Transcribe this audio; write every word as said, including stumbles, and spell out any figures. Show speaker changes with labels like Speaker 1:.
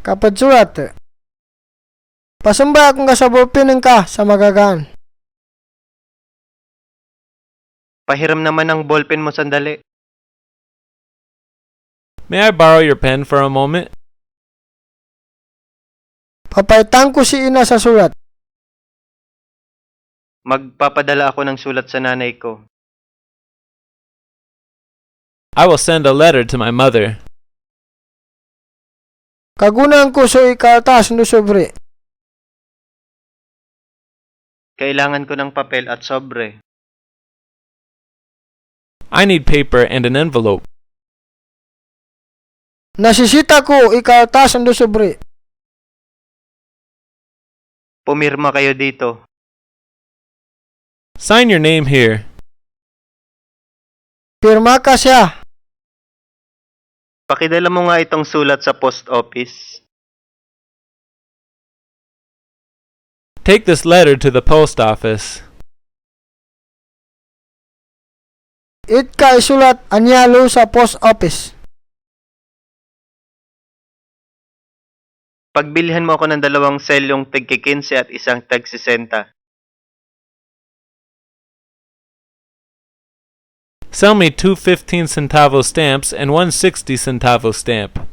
Speaker 1: Kapag surat. Pasamba akong kasabulpinin ka sa magagaan.
Speaker 2: Pahiram naman ang ballpen mo sandali.
Speaker 3: May I borrow your pen for a moment?
Speaker 1: Papaitan ko si ina sa sulat.
Speaker 2: Magpapadala ako ng sulat sa nanay ko.
Speaker 3: I will send a letter to my mother.
Speaker 1: Kagunang ko so ikaltas no sobre.
Speaker 2: Kailangan ko ng papel at sobre.
Speaker 3: I need paper and an envelope.
Speaker 1: Nasisita ko ikaltas no sobre.
Speaker 2: Pumirma kayo dito.
Speaker 3: Sign your name here.
Speaker 1: Pirma ka siya.
Speaker 2: Pakidala mo nga itong sulat sa post office.
Speaker 3: Take this letter to the post office.
Speaker 1: It ka isulat anyalo sa post office.
Speaker 2: Pagbilhan mo ako ng dalawang selyong tig-kikinse at isang tag-sisenta.
Speaker 3: Sell me two fifteen centavo stamps and one sixty centavo stamp.